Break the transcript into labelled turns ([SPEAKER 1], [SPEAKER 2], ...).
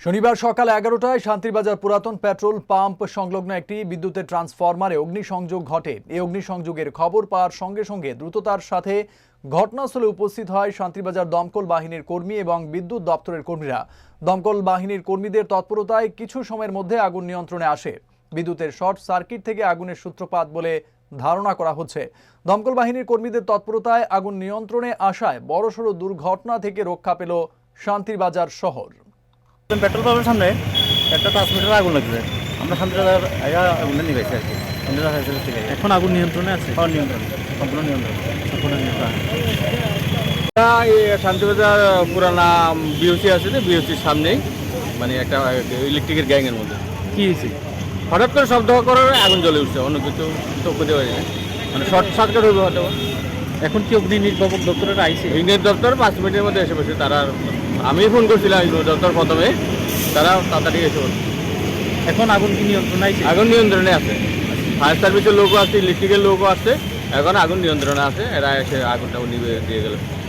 [SPEAKER 1] শনিবার সকাল 11টায় শান্তিরবাজার পুরাতন পেট্রোল পাম্প সংলগ্ন একটি বিদ্যুতের ট্রান্সফরমারে অগ্নিসংযোগ ঘটে। এই অগ্নিসংযোগের খবর পাওয়ার সঙ্গে সঙ্গে দ্রুততার সাথে ঘটনাস্থলে উপস্থিত হয় শান্তিরবাজার দমকল বাহিনীর কর্মী এবং বিদ্যুৎ দপ্তরের কর্মীরা। দমকল বাহিনীর কর্মীদের তৎপরতায় কিছু সময়ের মধ্যে আগুন নিয়ন্ত্রণে আসে। বিদ্যুতের শর্ট সার্কিট থেকে আগুনের সূত্রপাত বলে ধারণা করা হচ্ছে। দমকল বাহিনীর কর্মীদের তৎপরতায় আগুন নিয়ন্ত্রণে আসায় বড়সড় দুর্ঘটনা থেকে রক্ষা পেল শান্তিরবাজার শহর।
[SPEAKER 2] পেট্রোল পাম্পের সামনে একটা ট্রান্সমিটার আগুন লাগছে। আমরা শান্তিবাজার আগুনটা নিবেছি আর কি। থেকে
[SPEAKER 3] এখন আগুন নিয়ন্ত্রণে আছে।
[SPEAKER 2] নিয়ন্ত্রণ সম্পূর্ণ নিয়ন্ত্রণ।
[SPEAKER 4] শান্তিবাজার পুরানা বিওসি আছে, যে বিওসির সামনেই মানে একটা ইলেকট্রিকের গ্যাংয়ের মধ্যে
[SPEAKER 3] কি হয়েছে?
[SPEAKER 4] হঠাৎ করে শব্দ করার আগুন জ্বলে উঠছে। অন্য কিছু তো করতে পারি না, মানে শর্ট সার্কিট হইবে হয়তো।
[SPEAKER 3] এখন কি অগ্নি নির্বাপক দপ্তরের আইসি?
[SPEAKER 4] ইঞ্জিনিয়ার দপ্তর 5 মিনিটের মধ্যে এসে বসে। তারা আমি ফোন করছিলাম ইঞ্জিনিয়ার দপ্তর প্রথমে, তারা তাড়াতাড়ি এসে বসে।
[SPEAKER 3] এখন আগুন কি নিয়ন্ত্রণে আছে?
[SPEAKER 4] আগুন নিয়ন্ত্রণে আছে। ফায়ার সার্ভিসের লোকও আছে, ইলেকট্রিকের লোকও আছে। এখন আগুন নিয়ন্ত্রণে আছে। এরা এসে আগুনটা নিভে দিয়ে গেল।